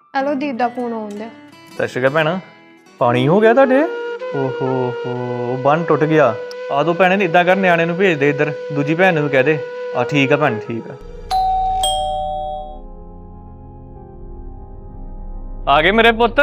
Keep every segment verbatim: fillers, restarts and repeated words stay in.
Hello ਦੀਪ ਦਾ phone ਆਉਂਦਾ। ਸਤਿ ਸ਼੍ਰੀ ਅਕਾਲ ਭੈਣ। ਪਾਣੀ ਹੋ ਗਿਆ ਤੁਹਾਡੇ? ਓਹੋ ਹੋ ਬੰਨ ਟੁੱਟ ਗਿਆ। ਆ ਦੋ ਭੈਣੇ ਇਦਾਂ ਕਰ, ਨਿਆਣੇ ਨੂੰ ਭੇਜ ਦੇ ਇੱਧਰ, ਦੂਜੀ ਭੈਣ ਨੂੰ ਕਹਿ ਦੇ। ਆ ਠੀਕ ਆ ਭੈਣ, ਠੀਕ ਆ। ਆ ਗਏ ਮੇਰੇ ਪੁੱਤ।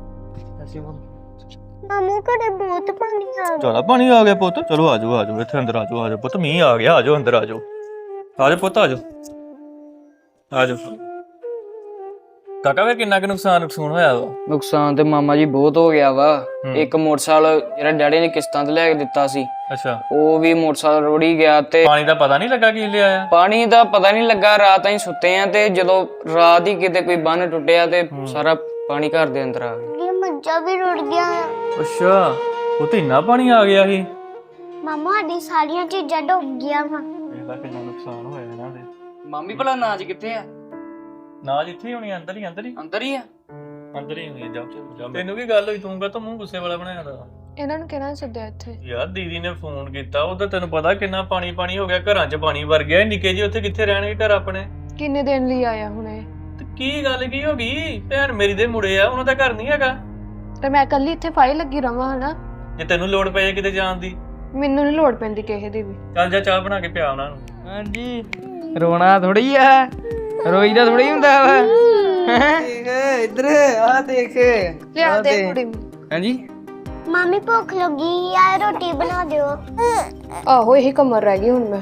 ਮਾਮੂ ਘਰੇ ਬਹੁਤ ਪਾਣੀ ਆ ਗਿਆ। ਜ਼ਿਆਦਾ ਪਾਣੀ ਆ ਗਿਆ ਪੁੱਤ? ਚਲੋ ਆ ਜਾਓ ਆ ਜਾਓ, ਇੱਥੇ ਅੰਦਰ ਆ ਜਾਓ ਆ ਜਾਓ ਪੁੱਤ, ਮੀਂਹ ਆ ਗਿਆ, ਆ ਜਾਓ ਅੰਦਰ ਆ ਜਾਓ। ਆ ਜਾਓ ਪੁੱਤ ਆ ਜਾਓ ਆ ਜਾਓ। ਕਾਕਾ ਵੇ ਕਿੰਨਾ ਕੁ ਨੁਕਸਾਨ ਨੁਕਸਾਨ ਹੋਇਆ ਵਾ? ਨੁਕਸਾਨ ਤੇ ਮਾਮਾ ਜੀ ਬਹੁਤ ਹੋ ਗਿਆ ਵਾ। ਇੱਕ ਮੋਟਰਸਾਈਕਲ ਜਿਹੜਾ ਡੈਡੀ ਨੇ ਕਿਸ਼ਤਾਂ ਤੇ ਲੈ ਕੇ ਦਿੱਤਾ ਸੀ, ਅੱਛਾ, ਉਹ ਵੀ ਮੋਟਰਸਾਈਕਲ ਰੋੜੀ ਗਿਆ। ਤੇ ਪਾਣੀ ਦਾ ਪਤਾ ਨਹੀਂ ਲੱਗਾ ਕੀ ਲਿਆਇਆ? ਪਾਣੀ ਦਾ ਪਤਾ ਨਹੀਂ ਲੱਗਾ, ਰਾਤ ਅਸੀਂ ਸੁੱਤੇ ਆ ਤੇ ਜਦੋਂ ਰਾਤ ਹੀ ਕਿਤੇ ਕੋਈ ਬੰਨ ਟੁੱਟਿਆ ਤੇ ਸਾਰਾ ਪਾਣੀ ਘਰ ਦੇ ਅੰਦਰ ਆ ਗਿਆ। ਇਹ ਮੱਝਾਂ ਵੀ ਰੁੜ ਗਿਆ। ਅੱਛਾ, ਉਹ ਤੇ ਇੰਨਾ ਪਾਣੀ ਆ ਗਿਆ ਸੀ। ਮਾਮਾ ਸਾਡੀ ਸਾਰੀਆਂ ਚੀਜ਼ਾਂ ਡੁੱਬ ਗਈਆਂ ਵਾ। ਇਹਦਾ ਕਿੰਨਾ ਨੁਕਸਾਨ ਹੋਇਆ ਇਹਨਾਂ ਦੇ। ਮਾਮੀ ਭਲਾ ਨਾਜ ਕਿੱਥੇ ਆ? ਨਾ ਜਿੱਥੇ ਹੋਣੀ, ਅੰਦਰ ਹੀ ਅੰਦਰ ਹੀ ਅੰਦਰ ਹੀ ਆ। ਅੰਦਰ ਹੀ ਹੋਣੀ। ਜਾ ਤੈਨੂੰ ਕੀ ਗੱਲ ਹੋਈ? ਤੂੰ ਕਾ ਮੂੰਹ ਗੁੱਸੇ ਵਾਲਾ ਬਣਾਇਆ ਦਾ? ਇਹਨਾਂ ਨੂੰ ਕਿਹਨਾਂ ਸੱਦਿਆ ਇੱਥੇ? ਯਾਰ ਦੀਦੀ ਨੇ ਫੋਨ ਕੀਤਾ, ਉਹਦਾ ਤੈਨੂੰ ਪਤਾ ਕਿੰਨਾ ਪਾਣੀ ਪਾਣੀ ਹੋ ਗਿਆ, ਘਰਾਂ 'ਚ ਪਾਣੀ ਵਰ ਗਿਆ। ਨਿੱਕੇ ਜੀ ਉੱਥੇ ਕਿੱਥੇ ਰਹਿਣਗੇ ਘਰ ਆਪਣੇ? ਕਿੰਨੇ ਦਿਨ ਲਈ ਆਇਆ ਹੁਣੇ? ਤੇ ਕੀ ਗੱਲ ਕੀ ਹੋ ਗਈ? ਭੈਣ ਮੇਰੀ ਦੇ ਮੁੰਡੇ ਆ, ਉਹਨਾਂ ਦਾ ਘਰ ਨਹੀਂ ਹੈਗਾ ਤੇ ਮੈਂ ਕੱਲੀ ਇੱਥੇ ਫਾਈ ਲੱਗੀ ਰਵਾਂ ਹਨਾ? ਜੇ ਤੈਨੂੰ ਲੋੜ ਪਏ ਕਿਤੇ ਜਾਣ ਦੀ। ਮੈਨੂੰ ਨਹੀਂ ਲੋੜ ਪੈਂਦੀ ਕਿਸੇ ਦੀ ਵੀ। ਚੱਲ ਜਾ ਚਾਹ ਬਣਾ ਕੇ ਪਿਆ ਉਹਨਾਂ ਨੂੰ। ਹਾਂਜੀ, ਰੋਣਾ ਥੋੜੀ ਆ, ਰੋਈਦਾ ਥੋੜੀ ਹੁੰਦਾ ਵਾ। ਦੇਖ ਇੱਧਰ ਆ, ਦੇਖ ਲਿਆ ਦੇ ਕੁੜੀ। ਹਾਂਜੀ ਮਾਮੀ ਭੁੱਖ ਲੱਗੀ ਆ, ਰੋਟੀ ਬਣਾ ਦਿਓ। ਆਹੋ ਇਹੀ ਕਮਰ ਰਹਿ ਗਈ ਹੁਣ ਮੈਂ।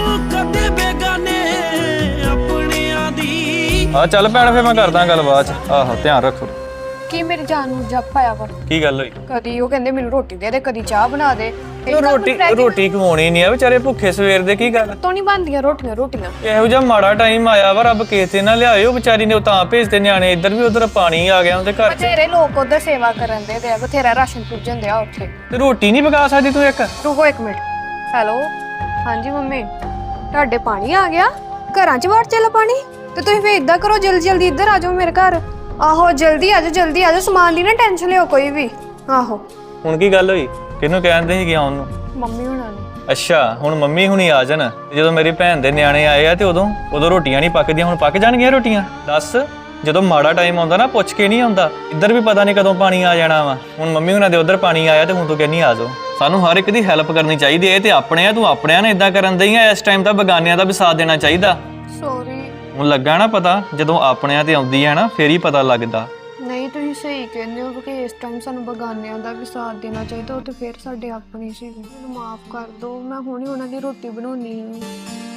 ਆ ਚੱਲ ਭੈਣ, ਫੇਰ ਮੈਂ ਕਰਦਾ ਗੱਲ ਬਾਅਦ 'ਚ। ਆਹੋ ਧਿਆਨ ਰੱਖੋ। ਕੀ ਮੇਰੀ ਜਾਨ ਨੂੰ ਜੱਪ ਆਇਆ ਵਾ? ਕੀ ਗੱਲ ਹੋਈ? ਕਦੀ ਉਹ ਕਹਿੰਦੇ ਮੈਨੂੰ ਰੋਟੀ ਦੇ ਦੇ, ਕਦੀ ਚਾਹ ਬਣਾ ਦੇ। ਰੋਟੀ ਰੋਟੀ ਖਵਾਉਣੀ ਨਹੀਂ ਆ ਵਿਚਾਰੇ ਭੁੱਖੇ ਸਵੇਰ ਦੇ। ਕੀ ਗੱਲ ਤੋਂ ਨਹੀਂ ਬਣਦੀਆਂ ਰੋਟੀਆਂ ਰੋਟੀਆਂ? ਇਹੋ ਜਿਹਾ ਮਾੜਾ ਟਾਈਮ ਆਇਆ ਵਾ, ਰੱਬ ਕਿਸੇ ਨਾ ਲਿਆਏ। ਉਹ ਵਿਚਾਰੀ ਨੇ ਉਹ ਤਾਂ ਭੇਜਦੇ ਨਿਆਣੇ ਇੱਧਰ ਵੀ, ਉਧਰ ਪਾਣੀ ਆ ਗਿਆ ਉਹਦੇ ਘਰ 'ਚ। ਬਥੇਰੇ ਲੋਕ ਉਧਰ ਸੇਵਾ ਕਰਨ ਦੇ ਤੇ ਬਥੇਰਾ ਰਾਸ਼ਨ ਪੁੱਜਣ ਦਿਆ ਉੱਥੇ। ਤੇ ਰੋਟੀ ਨਹੀਂ ਪਕਾ ਸਕਦੀ ਤੂੰ ਇੱਕ? ਰੁਕੋ ਇੱਕ ਮਿੰਟ। ਹੈਲੋ, ਹਾਂਜੀ ਮੰਮੀ, ਤੁਹਾਡੇ ਪਾਣੀ ਆ ਗਿਆ? ਘਰਾਂ 'ਚ ਵੜ ਚੱਲ ਪਾਣੀ? ਤੇ ਤੁਸੀਂ ਫੇਰ ਇਦਾਂ ਕਰੋ, ਜਲਦੀ ਜਲਦੀ ਇੱਧਰ ਆ ਜਾਓ ਮੇਰੇ ਘਰ। ਆਹੋ ਜਲਦੀ ਆ ਜਾਓ, ਜਲਦੀ ਆ ਜਾਓ, ਸਮਾਨ ਦੀ ਨਾ ਟੈਨਸ਼ਨ ਲਿਓ ਕੋਈ ਵੀ। ਆਹੋ ਹੁਣ ਕੀ ਗੱਲ ਹੋਈ? ਕਿਹਨੂੰ ਕਹਿੰਦੇ ਸੀਗੇ ਆਉਣ ਨੂੰ? ਮੰਮੀ ਹੁਣਾਂ ਨੂੰ। ਅੱਛਾ, ਹੁਣ ਮੰਮੀ ਹੁਣੀ ਆ ਜਾਣ। ਜਦੋਂ ਮੇਰੀ ਭੈਣ ਦੇ ਨਿਆਣੇ ਆਏ ਆ ਤੇ ਉਦੋਂ ਉਦੋਂ ਰੋਟੀਆਂ ਨਹੀਂ ਪੱਕਦੀਆਂ, ਹੁਣ ਪੱਕ ਜਾਣਗੀਆਂ ਰੋਟੀਆਂ? ਦੱਸ, ਜਦੋਂ ਮਾੜਾ ਟਾਈਮ ਆਉਂਦਾ ਨਾ ਪੁੱਛ ਕੇ ਨਹੀਂ ਆਉਂਦਾ। ਇੱਧਰ ਵੀ ਪਤਾ ਨਹੀਂ ਕਦੋਂ ਪਾਣੀ ਆ ਜਾਣਾ ਵਾ। ਹੁਣ ਮੰਮੀ ਹੁਣਾਂ ਦੇ ਉਧਰ ਪਾਣੀ ਆਇਆ ਤੇ ਹੁਣ ਤੂੰ ਕਹਿੰਦੀ ਆ ਜਾਓ। ਸਾਨੂੰ ਹਰ ਇੱਕ ਦੀ ਹੈਲਪ ਕਰਨੀ ਚਾਹੀਦੀ ਹੈ। ਤੇ ਆਪਣੇ ਆ, ਤੂੰ ਆਪਣਿਆਂ ਨੇ ਇਦਾਂ ਕਰਨ ਦਈ ਆ। ਇਸ ਟਾਈਮ ਤਾਂ ਬਗਾਨਿਆਂ ਦਾ ਵੀ ਸਾਥ ਦੇਣਾ ਚਾਹੀਦਾ। ਸੌਰੀ। ਹੁਣ ਲੱਗਾ ਨਾ ਪਤਾ, ਜਦੋਂ ਆਪਣਿਆਂ ਤੇ ਆਉਂਦੀ ਹੈ ਨਾ ਫੇਰ ਹੀ ਪਤਾ ਲੱਗਦਾ। ਨਹੀਂ ਤੁਸੀਂ ਸਹੀ ਕਹਿੰਦੇ ਹੋ ਕਿ ਇਸ ਟਾਈਮ ਸਾਨੂੰ ਬਗਾਨਿਆਂ ਦਾ ਵੀ ਸਾਥ ਦੇਣਾ ਚਾਹੀਦਾ। ਉਹ ਤੇ ਫਿਰ ਸਾਡੇ ਆਪਣੇ ਸੀ। ਮੈਨੂੰ ਮਾਫ ਕਰ ਦਿਓ, ਮੈਂ ਹੁਣੇ ਉਹਨਾਂ ਦੀ ਰੋਟੀ ਬਣਾਉਣੀ ਹੈ।